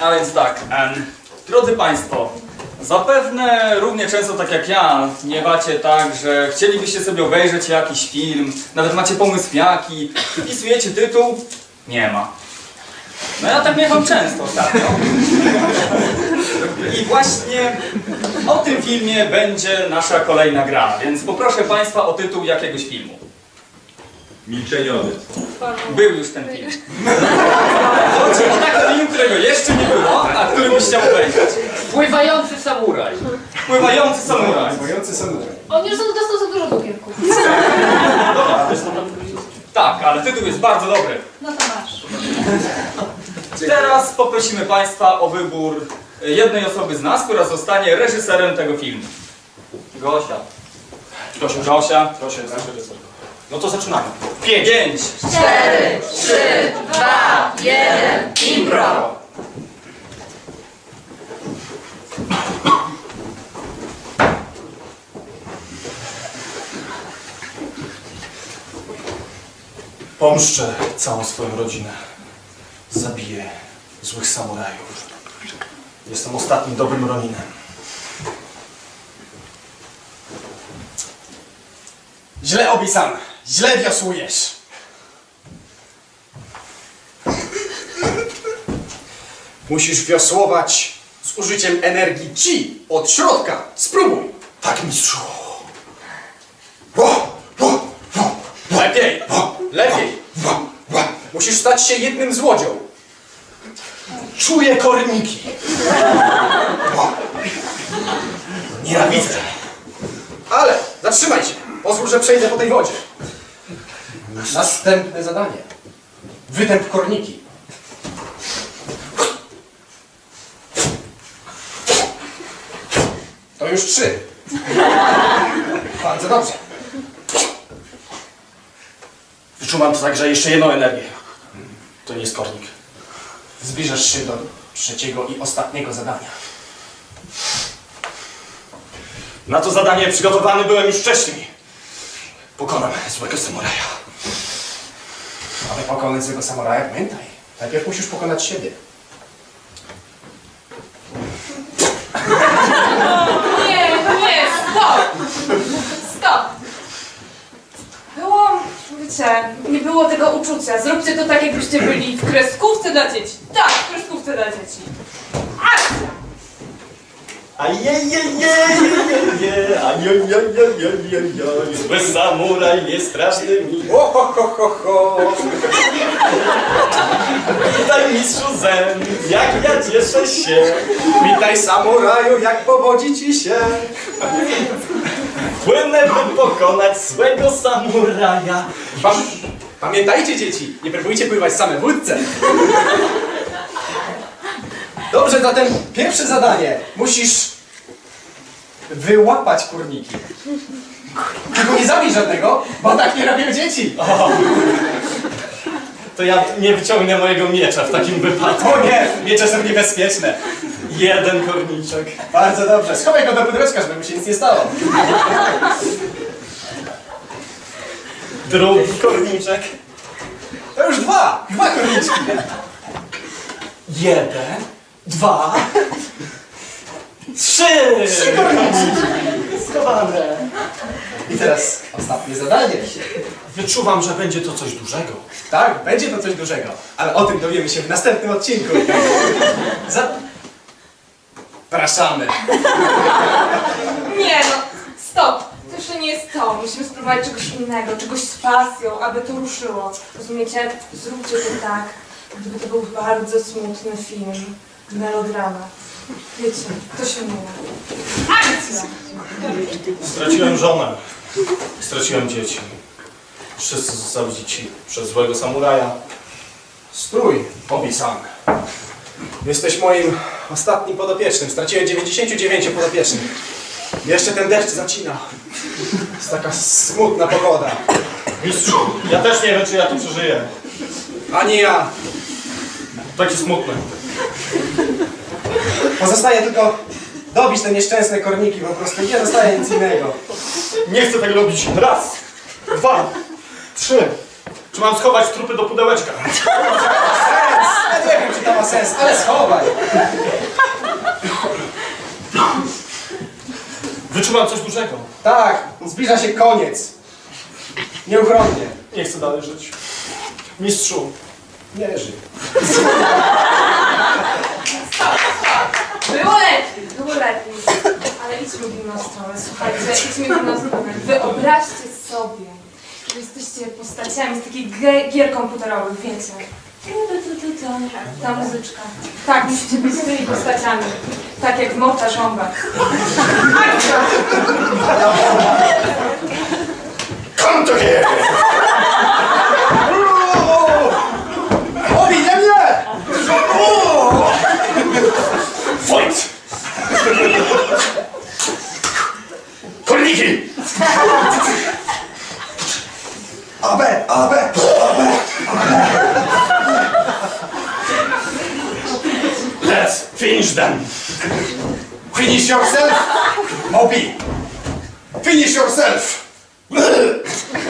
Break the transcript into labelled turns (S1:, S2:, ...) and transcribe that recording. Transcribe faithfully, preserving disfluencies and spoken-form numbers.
S1: A więc tak, em, drodzy Państwo, zapewne równie często tak jak ja miewacie tak, że chcielibyście sobie obejrzeć jakiś film, nawet macie pomysł jaki, wpisujecie tytuł, nie ma. No ja tak miewam często ostatnio. I właśnie o tym filmie będzie nasza kolejna gra, więc poproszę Państwa o tytuł jakiegoś filmu.
S2: Milczeniowiec.
S1: Był już ten film. Chodzi o taki film, którego jeszcze nie było, a który byś chciał obejrzeć.
S3: Pływający samuraj.
S1: Pływający samuraj.
S4: Pływający samuraj.
S5: On już dostał za dużo cukierków.
S1: Dobra, tak, ale tytuł jest bardzo dobry.
S5: No to masz.
S1: Teraz poprosimy Państwa o wybór jednej osoby z nas, która zostanie reżyserem tego filmu. Gosia. Gosia. Gosia.
S4: Proszę, nasz reżyser. No to zaczynamy.
S1: Pięć. Pięć.
S5: Cztery, trzy, dwa, jeden, impro!
S4: Pomszczę całą swoją rodzinę. Zabiję złych samurajów. Jestem ostatnim dobrym Roninem. Źle, Obi-san. Źle wiosłujesz. Musisz wiosłować z użyciem energii chi od środka. Spróbuj. Tak, mistrzu. Lepiej. Lepiej. Musisz stać się jednym z łodzią. Czuję korniki. Nienawidzę. Ale zatrzymaj się. Pozwól, że przejdę po tej wodzie. Następne zadanie. Wytęp korniki. To już trzy. Bardzo dobrze. Wyczuwam to także jeszcze jedną energię. To nie jest kornik. Zbliżasz się do trzeciego i ostatniego zadania. Na to zadanie przygotowany byłem już wcześniej. Pokonam złego samuraja. Aby pokonać złego samuraja, pamiętaj, najpierw musisz pokonać siebie.
S5: Nie, nie, stop! Stop! Było, wiecie, nie było tego uczucia. Zróbcie to tak, jakbyście byli w kreskówce dla dzieci. Tak, w kreskówce dla dzieci. Akcja!
S1: Zły samuraj jest straszny mi.
S4: O, ho, ho, ho, ho.
S1: Witaj mistrzu Zen, jak ja cieszę się.
S4: Witaj samuraju, jak powodzi ci się.
S1: Płynę, by pokonać złego samuraja.
S4: Pam Pamiętajcie, dzieci, nie próbujcie pływać same w łódce. Dobrze, zatem pierwsze zadanie. Musisz wyłapać kurniki. Tylko nie zabij żadnego, bo tak nie robią dzieci.
S1: O, to ja nie wyciągnę mojego miecza w takim wypadku.
S4: O nie, miecze są niebezpieczne.
S1: Jeden korniczek.
S4: Bardzo dobrze, schowaj go do pudełeczka, żeby mu się nic nie stało.
S1: Drugi korniczek.
S4: To już dwa, dwa kurniczki.
S1: Jeden, dwa, trzy.
S4: Trzy korniczki.
S1: Schowane.
S4: I teraz ostatnie zadanie.
S1: Wyczuwam, że będzie to coś dużego.
S4: Tak, będzie to coś dużego, ale o tym dowiemy się w następnym odcinku. Zapraszamy.
S5: Nie no, stop! To jeszcze nie jest to. Musimy spróbować czegoś innego, czegoś z pasją, aby to ruszyło. Rozumiecie? Zróbcie to tak, gdyby to był bardzo smutny film. Melodrama. Wiecie, to się mówi. Akcja!
S1: Straciłem żonę. Straciłem dzieci. Wszyscy zostali dzieci przez złego samuraja.
S4: Stój, Obi-san. Jesteś moim ostatnim podopiecznym. Straciłem dziewięćdziesięciu dziewięciu podopiecznych. Jeszcze ten deszcz zacina. Jest taka smutna pogoda.
S1: Mistrzu, ja też nie wiem, czy ja to przeżyję.
S4: Ani ja.
S1: Taki smutny.
S4: Pozostaje tylko dobić te nieszczęsne korniki. Po prostu nie zostaje nic innego.
S1: Nie chcę tego robić. Raz, dwa, trzy. Czy mam schować trupy do pudełeczka?
S4: Sens! Ja nie wiem, czy to ma sens, ale schowaj.
S6: Wyczuwam coś dużego.
S4: Tak, zbliża się koniec. Nieuchronnie.
S6: Nie chcę dalej żyć. Mistrzu,
S4: Nie żyj.
S5: Było lepiej, było lepiej. Ale idźmy w inną stronę, słuchajcie, idźmy w inną stronę. Wyobraźcie sobie, że jesteście postaciami z takich gier, gier komputerowych, wiecie. Ta muzyczka. Tak, musicie być tymi postaciami. Tak jak w Morta Żąba.
S4: Come to here! Obi, nie mnie!
S6: fight! Kolniki!
S4: Abe, abe, abe.
S6: Let's finish them!
S4: Finish yourself, Obi. Finish yourself.